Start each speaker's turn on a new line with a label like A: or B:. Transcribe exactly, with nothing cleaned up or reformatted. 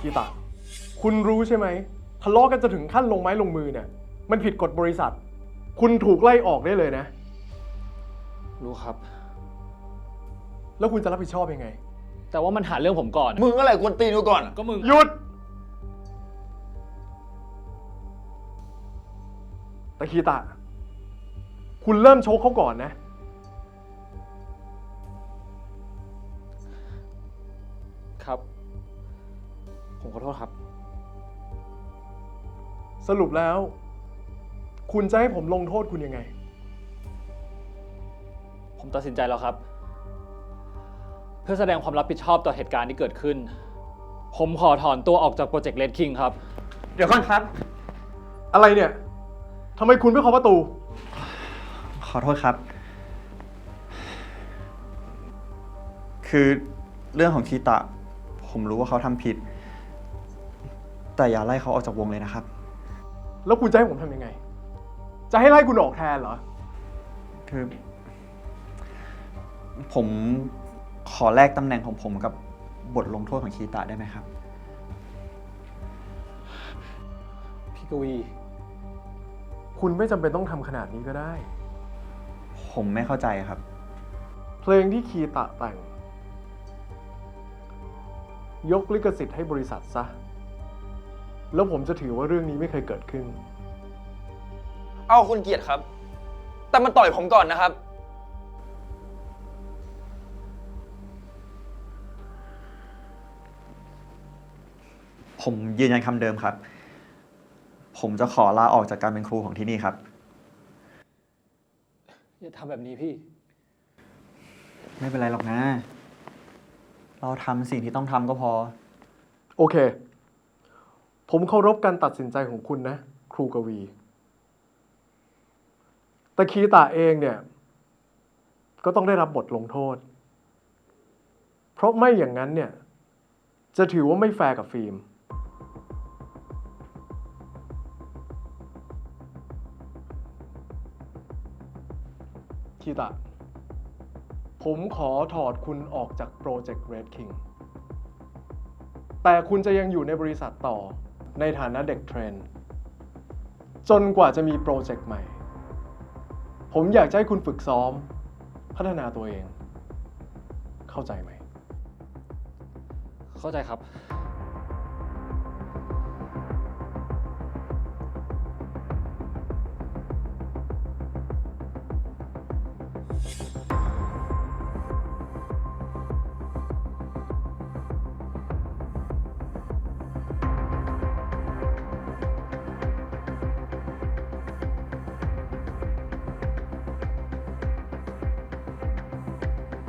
A: คีตะคุณรู้ใช่ไหมทะเลาะกันจะถึงขั้นลงไม้ลงมือเนี่ยมันผิดกฎบริษัทคุณถูกไล่ออกได้เลยนะ
B: รู้ครับ
A: แล้วคุณจะรับผิดชอบยังไง
B: แต่ว่ามันหาเรื่องผมก่อน
C: มึงอะไรกวนตีนกูก่อน
B: ก็มึง
A: หยุดตะคีตะคุณเริ่มโชกเขาก่อนนะ
B: ครับ ผมขอโทษครับ
A: สรุปแล้ว คุณจะให้ผมลงโทษคุณยังไง
B: ผมตัดสินใจแล้วครับ เพื่อแสดงความรับผิดชอบต่อเหตุการณ์ที่เกิดขึ้น ผมขอถอนตัวออกจากโปรเจกต์ Red King ครับ
C: เดี๋ยวก่อนครับ
A: อะไรเนี่ยทำไมคุณไม่เคาะประตู
C: ขอโทษครับ คือเรื่องของคีตะ ผมรู้ว่าเขาทำผิด แต่อย่าไล่เขาออกจากวงเลยนะครับ
A: แล้วคุณจะให้ผมทำยังไง จะให้ไล่คุณออกแทนเหรอ
C: คือ ผมขอแลกตำแหน่งของผมกับบทลงโทษของคีตะได้ไหมครับ
B: พี่กวี
A: คุณไม่จำเป็นต้องทำขนาดนี้ก็ได้
C: ผมไม่เข้าใจครับ
A: เพลงที่คีตะแต่ง ยกลิขสิทธิ์ให้บริษัทซะ แล้วผมจะถือว่าเรื่องนี้ไม่เคยเกิดขึ้น
D: เอาคุณเกียรติครับ แต่มันต่อยผมก่อนนะครับ
C: ผมยืนยันคำเดิมครับ ผมจะขอลาออกจากการเป็นครูของที่นี่ครับ
B: อย่าทำแบบนี้พี่
C: ไม่เป็นไรหรอกนะ เราทำสิ่งที่ต้องทำก็พอ
A: โอเค ผมเคารพการตัดสินใจของคุณนะ ครูกวี แต่คีตะเองเนี่ย ก็ต้องได้รับบทลงโทษ เพราะไม่อย่างนั้นเนี่ย จะถือว่าไม่แฟร์กับฟิล์ม คีตะ ผมขอถอดคุณออกจากโปรเจกต์ Red King แต่คุณจะยังอยู่ในบริษัทต่อในฐานะเด็กเทรน จนกว่าจะมีโปรเจกต์ใหม่ ผมอยากจะให้คุณฝึกซ้อม พัฒนาตัวเอง เข้าใจไหม
B: เข้าใจครับ